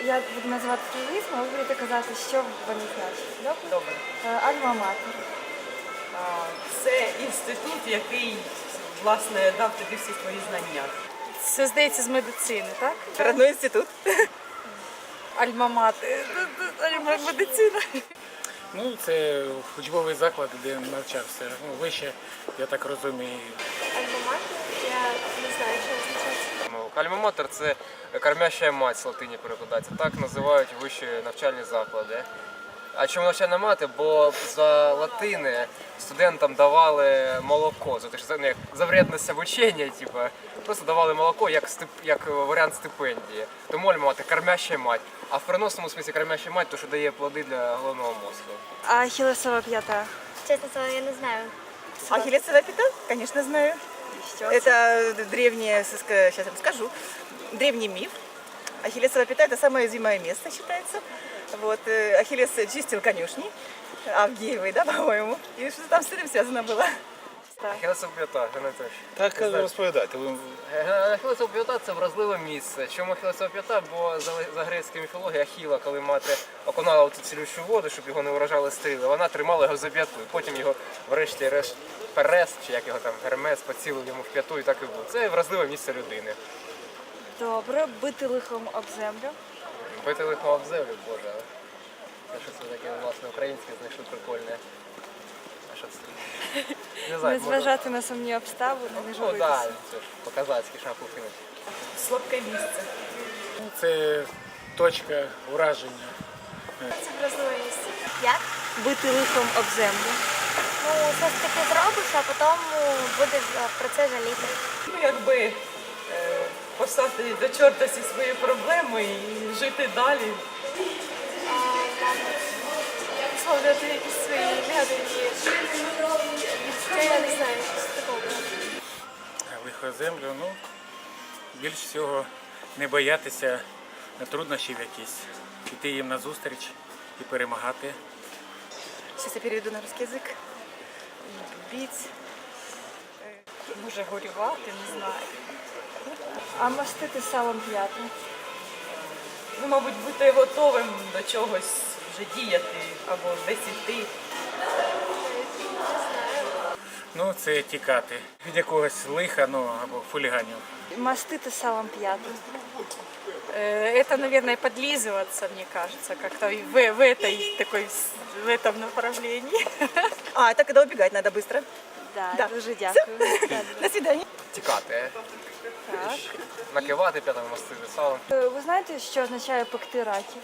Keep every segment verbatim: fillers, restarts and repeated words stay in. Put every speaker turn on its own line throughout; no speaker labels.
Я буду називати прізвисько, а ви будете казати, що вони значать. Добре?
Добре.
Е, Альма-матер.
А, Це інститут, який, власне, дав тобі всі твої знання.
Це, здається, з медицини, так?
Родной інститут.
Альма-матер. Альма-медицина.
Ну, це учбовий заклад, де навчався. Ну, вище, я так розумію.
Альма-матер, я не знаю, що означає.
Альма-матер – це кормяща мать з латині перекладається. Так називають вищі навчальні заклади. А чому навчальна мати? Бо за латини студентам давали молоко, за те, що ну, як за вредність обучення, типу, просто давали молоко як, стип, як варіант стипендії. Тому альма-матер – кормяща мать. А в переносному смислі кормяща мать – то, що дає плоди для головного мозку.
А ахілесова п'ята?
Честно слово, я не знаю.
Ахиллесова пята? Конечно, знаю.
Що?
Это древнее, сейчас я вам скажу, древний миф. Ахиллесова пята – это самое уязвимое место, считается. Вот, э, Ахиллес чистил конюшни, Авгиевой, да, по-моему. И что там с этим связано было?
Ахілесова п'ята, Геннадій
Так розповідайте. Ви
Ахілесова п'ята – це вразливе місце. Чому Ахілесова п'ята? Бо за, за грецькою міфологією Ахіла, коли мати окунала в цю цілющу воду, щоб його не вражали стріли, вона тримала його за п'яту. Потім його врешті-решт Перес, чи як його там, Гермес, поцілив йому в п'яту і так і було. Це вразливе місце людини.
Добре, бити лихом об землю.
Бити лихо об землю, боже. Це щось таке, власне, українське знайшли прикольне. А що це? Не знаю,
Не зважати на сумні обставини, не
Ну
журитися.
так, це ж по-казацьки шапку кинуть.
Слабке місце.
Ну, це точка ураження.
Це вразливе місце. Як?
Бити лихом об землю.
Ну, щось таке зробиш, а потім будеш е, про це жаліти.
Ну, якби е, послати до чорта всі свої проблеми і жити далі.
Висловлювати якісь свої негативні відчуття, я не знаю, щось такого.
Лихо землю, ну, більш всього не боятися труднощів якісь. Іти їм назустріч і перемагати.
Сейчас я переведу на русский язык. Бить.
Може горювати, не знаю.
А мастити салом п'ятим.
Ну, мабуть, бути готовим до чогось вже діяти або десь іти.
Ну, це тікати від якогось лиха, ну, або хуліганів.
Мастити салом п'ятим.
Это, наверное, подлизываться, мне кажется, как-то и в, в этой такой в этом направлении.
А, это когда убегать надо быстро.
Да,
Да.
дуже дякую.
До свидания.
Тікати.
Так.
Накивати п'ятами мастити салом.
Е, Ви знаєте, що означає пекти раків?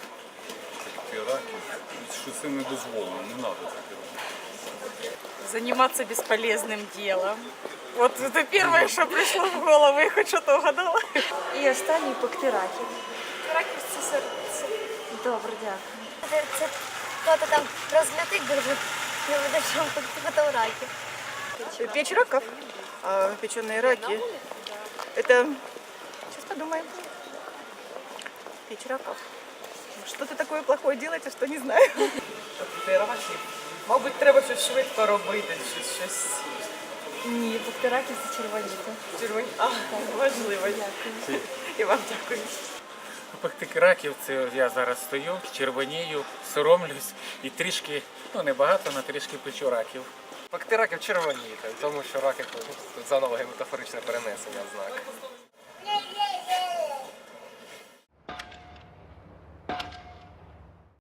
Що це не дозволено, не треба таке робити.
Заниматься бесполезным делом. Вот это первое, что пришло в голову, я хоть что-то угадала.
І останній пекти раків.
Раків це серце.
Добре, дякую.
Це, це хто-то там розлютить дуже, не буде що потім раків.
Печь раков. А печеные раки. Это... Сейчас подумаем. Печь раков. Что ты такое плохое делаете, что не знаю.
Тобто раків. Мабуть, треба щось швидко робити, щось, щось
Ні, пекти раків це червоніти.
червоні. А, важливо.
Дякую.
І вам дякую.
Пекти раків, це я зараз стою, червонію, соромлюсь і трішки, ну не багато, але трішки печу раків.
Пекти раків червоніти, тому що раки тут заново метафоричне перенесення знак.